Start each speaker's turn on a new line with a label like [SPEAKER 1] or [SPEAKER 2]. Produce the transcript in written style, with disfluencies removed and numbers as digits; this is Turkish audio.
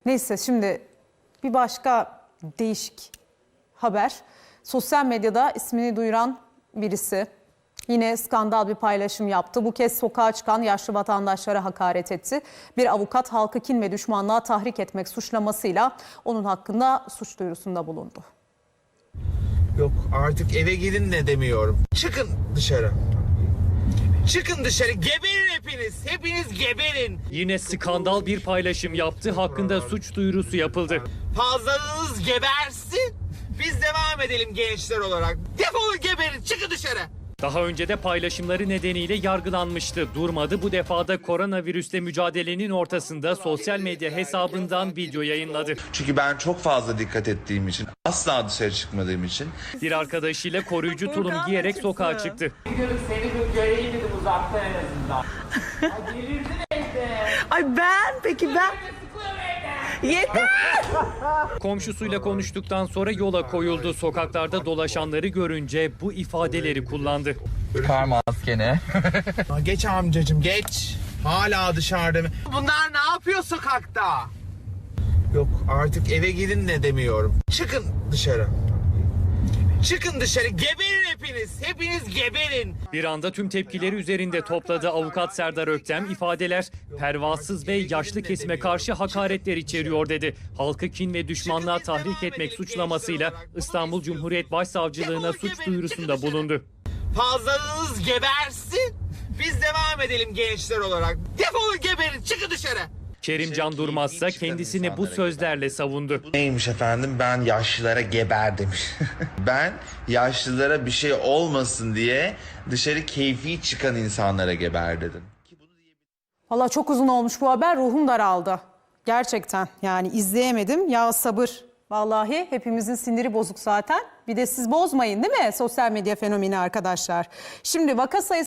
[SPEAKER 1] Neyse şimdi bir başka değişik haber. Sosyal medyada ismini duyuran birisi yine skandal bir paylaşım yaptı. Bu kez sokağa çıkan yaşlı vatandaşlara hakaret etti. Bir avukat halkı kin ve düşmanlığa tahrik etmek suçlamasıyla onun hakkında suç duyurusunda bulundu.
[SPEAKER 2] Yok artık eve gidin de demiyorum. Çıkın dışarı. Çıkın dışarı, geberin hepiniz. Hepiniz geberin.
[SPEAKER 3] Yine skandal bir paylaşım yaptı. Hakkında suç duyurusu yapıldı.
[SPEAKER 2] Fazlalığınız gebersin. Biz devam edelim gençler olarak. Defolun geberin, çıkın dışarı.
[SPEAKER 3] Daha önce de paylaşımları nedeniyle yargılanmıştı. Durmadı, bu defa da koronavirüsle mücadelenin ortasında sosyal medya hesabından video yayınladı.
[SPEAKER 4] Çünkü ben çok fazla dikkat ettiğim için, asla dışarı çıkmadığım için.
[SPEAKER 3] Bir arkadaşıyla koruyucu tulum giyerek sokağa çıktı.
[SPEAKER 5] Seni bir göreyim dedim uzaktan en azından. Ay delirdin evde.
[SPEAKER 6] Ay ben yeter.
[SPEAKER 3] Komşusuyla konuştuktan sonra yola koyuldu. Sokaklarda dolaşanları görünce bu ifadeleri kullandı.
[SPEAKER 5] Kar maskeni.
[SPEAKER 2] Geç amcacığım geç. Hala dışarıda mı? Bunlar ne yapıyor sokakta? Yok artık eve gidin de demiyorum. Çıkın dışarı. Çıkın dışarı, geberin hepiniz. Hepiniz geberin.
[SPEAKER 3] Bir anda tüm tepkileri üzerinde topladı. Avukat Serdar Öktem ifadeler pervasız ve yaşlı kesime karşı hakaretler içeriyor dedi. Halkı kin ve düşmanlığa tahrik etmek suçlamasıyla İstanbul Cumhuriyet Başsavcılığına suç duyurusunda bulundu.
[SPEAKER 2] Fazlalığınız gebersin. Biz devam edelim gençler olarak. Defolun geberin, çıkın dışarı.
[SPEAKER 3] Kerimcan Durmazsa kendisini bu sözlerle savundu.
[SPEAKER 4] Neymiş efendim, ben yaşlılara geber demiş. Ben yaşlılara bir şey olmasın diye dışarı keyfi çıkan insanlara geber dedim.
[SPEAKER 1] Valla çok uzun olmuş bu haber, ruhum daraldı. Gerçekten yani izleyemedim. Ya sabır. Vallahi hepimizin siniri bozuk zaten. Bir de siz bozmayın değil mi sosyal medya fenomeni arkadaşlar. Şimdi vaka sayısı